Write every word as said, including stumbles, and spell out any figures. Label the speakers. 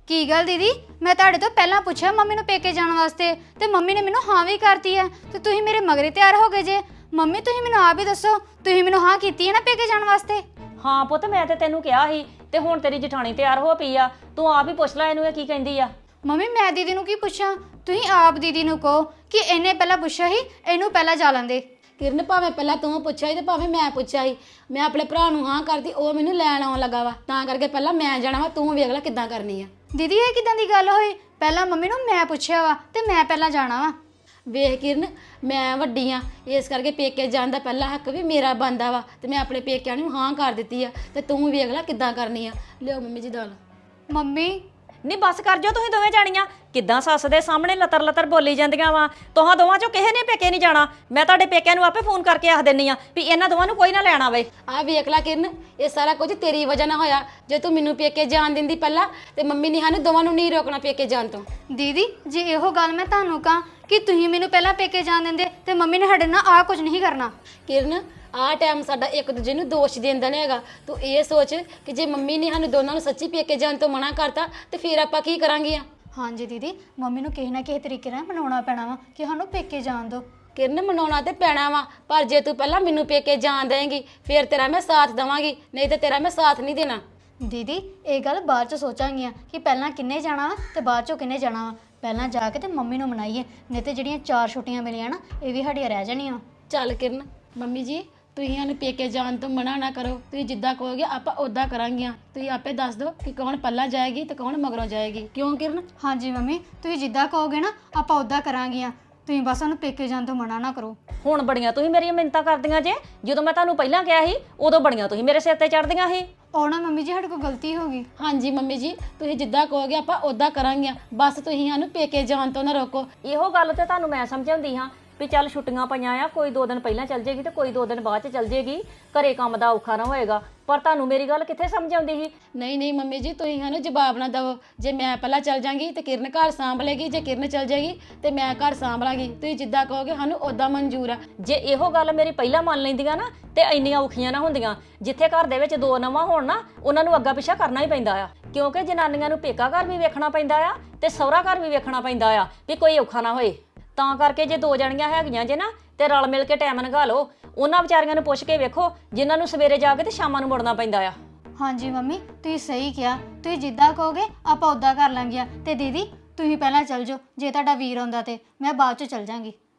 Speaker 1: ਕੀ ਗੱਲ ਦੀਦੀ, ਮੈਂ ਤੁਹਾਡੇ ਤੋਂ ਪਹਿਲਾਂ ਪੁੱਛਿਆ ਮੰਮੀ ਨੂੰ ਪੇਕੇ ਜਾਣ ਵਾਸਤੇ ਤੇ ਮੰਮੀ ਨੇ ਮੈਨੂੰ ਹਾਂ ਵੀ ਕਰਤੀ ਹੈ ਤੇ ਤੁਸੀਂ ਮੇਰੇ ਮਗਰੇ ਤਿਆਰ ਹੋ ਗਏ ਜੇ। ਮੰਮੀ ਤੁਸੀਂ ਮੈਨੂੰ ਆਪ ਹੀ ਦੱਸੋ, ਤੁਸੀਂ ਮੈਨੂੰ ਹਾਂ ਕੀਤੀ ਹੈ ਨਾ ਪੇਕੇ ਜਾਣ ਵਾਸਤੇ?
Speaker 2: ਹਾਂ ਪੁੱਤ, ਮੈਂ ਤੇ ਤੈਨੂੰ ਕਿਹਾ ਸੀ ਤੇ ਹੁਣ ਤੇਰੀ ਜਠਾਣੀ ਤਿਆਰ ਹੋ ਪਈ ਆ, ਤੂੰ ਆਪ ਹੀ ਪੁੱਛ ਲੈ ਇਹਨੂੰ ਇਹ ਕੀ ਕਹਿੰਦੀ ਆ।
Speaker 1: ਮੰਮੀ ਮੈਂ ਦੀਦੀ ਨੂੰ ਕੀ ਪੁੱਛਾਂ, ਤੁਸੀਂ ਆਪ ਦੀਦੀ ਨੂੰ ਕਹੋ ਕਿ ਇਹਨੇ ਪਹਿਲਾਂ ਪੁੱਛਿਆ ਸੀ, ਇਹਨੂੰ ਪਹਿਲਾਂ ਜਾ ਲੈਂਦੇ।
Speaker 3: ਕਿਰਨ ਭਾਵੇਂ ਪਹਿਲਾਂ ਤੂੰ ਪੁੱਛਿਆ ਸੀ ਤੇ ਭਾਵੇਂ ਮੈਂ ਪੁੱਛਿਆ ਸੀ, ਮੈਂ ਆਪਣੇ ਭਰਾ ਨੂੰ ਹਾਂ ਕਰਦੀ, ਉਹ ਮੈਨੂੰ ਲੈਣ ਆਉਣ ਲੱਗਾ ਵਾ, ਤਾਂ ਕਰਕੇ ਪਹਿਲਾਂ ਮੈਂ ਜਾਣਾ ਵਾ, ਤੂੰ ਵੇਖ ਲੈ ਕਿੱਦਾਂ ਕਰਨੀ ਆ।
Speaker 1: ਦੀਦੀ ਇਹ ਕਿਦਾਂ ਦੀ ਗੱਲ ਹੋਈ? ਪਹਿਲਾਂ ਮੰਮੀ ਨੂੰ ਮੈਂ ਪੁੱਛਿਆ ਵਾ ਤੇ ਮੈਂ ਪਹਿਲਾਂ ਜਾਣਾ ਵਾ।
Speaker 3: ਵੇਖ ਕਿਰਨ, ਮੈਂ ਵੱਡੀ ਆ, ਇਸ ਕਰਕੇ ਪੇਕੇ ਜਾਣ ਦਾ ਪਹਿਲਾ ਹੱਕ ਵੀ ਮੇਰਾ ਬਣਦਾ ਵਾ, ਤੇ ਮੈਂ ਆਪਣੇ ਪੇਕਿਆਂ ਨੂੰ ਹਾਂ ਕਰ ਦਿੱਤੀ ਆ, ਤੇ ਤੂੰ ਵੇਖ ਲੈ ਕਿੱਦਾਂ ਕਰਨੀ ਆ। ਲਿਓ ਮੰਮੀ ਜੀ ਦਾਲ।
Speaker 1: ਮੰਮੀ
Speaker 2: ਨਹੀਂ ਬਸ ਕਰ ਜਾਓ ਤੁਸੀਂ ਦੋਵੇਂ ਜਾਣੀਆਂ, ਕਿੱਦਾਂ ਸੱਸ ਦੇ ਸਾਹਮਣੇ ਲਤਰ ਲਤਰ ਬੋਲੀ ਜਾਂਦੀਆਂ ਵਾ। ਤੁਹਾਂ ਦੋਵਾਂ ਚੋਂ ਕਿਸੇ ਨੇ ਪੇਕੇ ਨਹੀਂ ਜਾਣਾ। ਮੈਂ ਤੁਹਾਡੇ ਪੇਕਿਆਂ ਨੂੰ ਆਪੇ ਫੋਨ ਕਰਕੇ ਆਖ ਦਿੰਨੀ ਆ ਵੀ ਇਹਨਾਂ ਦੋਵਾਂ ਨੂੰ ਕੋਈ ਨਾ ਲੈਣ ਆਵੇ।
Speaker 3: ਆ ਵੇਖ ਲੈ ਕਿਰਨ, ਇਹ ਸਾਰਾ ਕੁਝ ਤੇਰੀ ਵਜ੍ਹਾ ਨਾਲ ਹੋਇਆ। ਜੇ ਤੂੰ ਮੈਨੂੰ ਪੇਕੇ ਜਾਣ ਦਿੰਦੀ ਪਹਿਲਾਂ, ਤੇ ਮੰਮੀ ਨੇ ਸਾਨੂੰ ਦੋਵਾਂ ਨੂੰ ਨਹੀਂ ਰੋਕਣਾ ਪੇਕੇ ਜਾਣ ਤੋਂ।
Speaker 1: ਦੀਦੀ ਜੇ ਇਹੋ ਗੱਲ ਮੈਂ ਤੁਹਾਨੂੰ ਕਹਾਂ ਕਿ ਤੁਸੀਂ ਮੈਨੂੰ ਪਹਿਲਾਂ ਪੇਕੇ ਜਾਣ ਦਿੰਦੇ ਤੇ ਮੰਮੀ ਨੇ ਸਾਡੇ ਨਾਲ ਆ ਕੁਝ ਨਹੀਂ ਕਰਨਾ।
Speaker 3: ਕਿਰਨ, ਆਹ ਟਾਈਮ ਸਾਡਾ ਇੱਕ ਦੂਜੇ ਨੂੰ ਦੋਸ਼ ਦੇਂਦਾ ਨਹੀਂ ਹੈਗਾ। ਤੂੰ ਇਹ ਸੋਚ ਕਿ ਜੇ ਮੰਮੀ ਨੇ ਸਾਨੂੰ ਦੋਨਾਂ ਨੂੰ ਸੱਚੀ ਪੇਕੇ ਜਾਣ ਤੋਂ ਮਨਾ ਕਰਤਾ ਤੇ ਫਿਰ ਆਪਾਂ ਕੀ ਕਰਾਂਗੇ ਆ।
Speaker 1: ਹਾਂਜੀ ਦੀਦੀ, ਮੰਮੀ ਨੂੰ ਕਿਸੇ ਨਾ ਕਿਸੇ ਤਰੀਕੇ ਨਾਲ ਮਨਾਉਣਾ ਪੈਣਾ ਵਾ ਕਿ ਸਾਨੂੰ ਪੇਕੇ ਜਾਣ ਦਿਓ।
Speaker 3: ਕਿਰਨ, ਮਨਾਉਣਾ ਤੇ ਪੈਣਾ ਵਾ, ਪਰ ਜੇ ਤੂੰ ਪਹਿਲਾਂ ਮੈਨੂੰ ਪੇਕੇ ਜਾਣ ਦੇਂਗੀ ਫਿਰ ਤੇਰਾ ਮੈਂ ਸਾਥ ਦੇਵਾਂਗੀ, ਨਹੀਂ ਤੇ ਤੇਰਾ ਮੈਂ ਸਾਥ ਨਹੀਂ ਦੇਣਾ।
Speaker 1: ਦੀਦੀ ਇਹ ਗੱਲ ਬਾਅਦ ਚ ਸੋਚਾਂਗੀਆਂ ਕਿ ਪਹਿਲਾਂ ਕਿੰਨੇ ਜਾਣਾ ਵਾ ਤੇ ਬਾਅਦ ਚੋਂ ਕਿੰਨੇ ਜਾਣਾ ਵਾ। ਪਹਿਲਾਂ ਜਾ ਕੇ ਤੇ ਮੰਮੀ ਨੂੰ ਮਨਾਈਏ, ਨਹੀਂ ਤੇ ਜਿਹੜੀਆਂ ਚਾਰ ਛੁੱਟੀਆਂ ਮਿਲੀਆਂ ਨਾ ਇਹ ਵੀ ਸਾਡੀਆਂ ਰਹਿ ਜਾਣੀਆਂ।
Speaker 3: ਚੱਲ ਕਿਰਨ, ਮੰਮੀ ਜੀ ਤੁਸੀਂ ਸਾਨੂੰ ਪੇਕੇ ਜਾਣ ਤੋਂ ਮਨਾ ਨਾ ਕਰੋ, ਤੁਸੀਂ ਜਿੱਦਾਂ ਕਹੋਗੇ ਆਪਾਂ ਉਦਾਂ ਕਰਾਂਗੀਆਂ। ਤੁਸੀਂ ਆਪੇ ਦੱਸ ਦਿਓ ਕਿ ਕੌਣ ਪਹਿਲਾਂ ਜਾਏਗੀ ਤੇ ਕੌਣ ਮਗਰੋਂ ਜਾਏਗੀ, ਕਿਉਂ ਕਿਰਨ?
Speaker 1: ਹਾਂਜੀ ਮੰਮੀ, ਤੁਸੀਂ ਜਿੱਦਾਂ ਕਹੋਗੇ ਨਾ ਆਪਾਂ ਉਦਾਂ ਕਰਾਂਗੀਆਂ। ਤੁਸੀਂ ਬਸ ਉਹਨੂੰ ਪੇਕੇ ਜਾਣ ਤੋਂ ਮਨਾ ਨਾ ਕਰੋ।
Speaker 2: ਹੁਣ ਬੜੀਆਂ ਤੁਸੀਂ ਮੇਰੀਆਂ ਮਿੰਨਤਾਂ ਕਰਦੀਆਂ ਜੇ, ਜਦੋਂ ਮੈਂ ਤੁਹਾਨੂੰ ਪਹਿਲਾਂ ਕਿਹਾ ਸੀ ਉਦੋਂ ਬੜੀਆਂ ਤੁਸੀਂ ਮੇਰੇ ਸਿਰ ਤੇ ਚੜ੍ਹਦੀਆਂ ਸੀ।
Speaker 1: ਉਹ ਨਾ ਮੰਮੀ ਜੀ ਸਾਡੇ ਕੋਲ ਗਲਤੀ ਹੋ ਗਈ।
Speaker 3: ਹਾਂਜੀ ਮੰਮੀ ਜੀ, ਤੁਸੀਂ ਜਿੱਦਾਂ ਕਹੋਗੇ ਆਪਾਂ ਉਦਾਂ ਕਰਾਂਗੀਆਂ, ਬਸ ਤੁਸੀਂ ਸਾਨੂੰ ਪੇਕੇ ਜਾਣ ਤੋਂ ਨਾ ਰੋਕੋ।
Speaker 2: ਇਹੋ ਗੱਲ ਤੇ ਤੁਹਾਨੂੰ ਮੈਂ ਸਮਝਾਉਂਦੀ ਹਾਂ ਵੀ ਚੱਲ ਛੁੱਟੀਆਂ ਪਈਆਂ ਆ, ਕੋਈ ਦੋ ਦਿਨ ਪਹਿਲਾਂ ਚੱਲ ਜੇਗੀ ਤੇ ਕੋਈ ਦੋ ਦਿਨ ਬਾਅਦ ਚ ਚੱਲ ਜੇਗੀ, ਘਰੇ ਕੰਮ ਦਾ ਔਖਾ ਨਾ ਹੋਏਗਾ। ਪਰ ਤੁਹਾਨੂੰ ਮੇਰੀ ਗੱਲ ਕਿੱਥੇ ਸਮਝ ਆਉਂਦੀ ਸੀ?
Speaker 3: ਨਹੀਂ ਨਹੀਂ ਮੰਮੀ ਜੀ, ਤੁਸੀਂ ਸਾਨੂੰ ਜਵਾਬ ਨਾ ਦਿਓ। ਜੇ ਮੈਂ ਪਹਿਲਾਂ ਚੱਲ ਜਾਂਗੀ ਤੇ ਕਿਰਨ ਘਰ ਸਾਂਭ ਲੇਗੀ, ਜੇ ਕਿਰਨ ਚੱਲ ਜਾਏਗੀ ਤੇ ਮੈਂ ਘਰ ਸਾਂਭ ਲਾਂਗੀ। ਤੁਸੀਂ ਜਿੱਦਾਂ ਕਹੋਗੇ ਸਾਨੂੰ ਉਦਾਂ ਮਨਜ਼ੂਰ ਆ।
Speaker 2: ਜੇ ਇਹੋ ਗੱਲ ਮੇਰੀ ਪਹਿਲਾਂ ਮੰਨ ਲੈਂਦੀਆਂ ਨਾ ਤੇ ਇੰਨੀਆਂ ਔਖੀਆਂ ਨਾ ਹੁੰਦੀਆਂ। ਜਿੱਥੇ ਘਰ ਦੇ ਵਿੱਚ ਦੋ ਨਵਾਂ ਹੋਣ ਨਾ, ਉਹਨਾਂ ਨੂੰ ਅੱਗਾ ਪਿੱਛਾ ਕਰਨਾ ਹੀ ਪੈਂਦਾ ਆ, ਕਿਉਂਕਿ ਜਨਾਨੀਆਂ ਨੂੰ ਪੇਕਾ ਘਰ ਵੀ ਵੇਖਣਾ ਪੈਂਦਾ ਆ ਤੇ ਸਹੁਰਾ ਘਰ ਵੀ ਵੇਖਣਾ ਪੈਂਦਾ ਆ ਵੀ ਕੋਈ ਔਖਾ ਨਾ ਹੋਏ। ਤਾਂ ਕਰਕੇ ਜੇ ਦੋ ਜਣੀਆਂ ਹੈਗੀਆਂ ਜੇ ਨਾ ਤੇ ਰਲ ਮਿਲ ਕੇ ਟਾਈਮ ਲੰਘਾ ਲਓ। ਉਹਨਾਂ ਵਿਚਾਰੀਆਂ ਨੂੰ ਪੁੱਛ ਕੇ ਵੇਖੋ ਜਿਨ੍ਹਾਂ ਨੂੰ ਸਵੇਰੇ ਜਾ ਕੇ ਤੇ ਸ਼ਾਮਾਂ ਨੂੰ ਮੁੜਨਾ ਪੈਂਦਾ ਆ।
Speaker 1: ਹਾਂਜੀ ਮੰਮੀ ਤੁਸੀਂ ਸਹੀ ਕਿਹਾ, ਤੁਸੀਂ ਜਿੱਦਾਂ ਕਹੋਗੇ ਆਪਾਂ ਉਦਾਂ ਕਰ ਲਾਂਗੀਆਂ। ਤੇ ਦੀਦੀ ਤੁਸੀਂ ਪਹਿਲਾਂ ਚੱਲ ਜਾਓ, ਜੇ ਤੁਹਾਡਾ ਵੀਰ ਆਉਂਦਾ ਤੇ ਮੈਂ ਬਾਅਦ ਚ ਚੱਲ ਜਾਵਾਂਗੀ।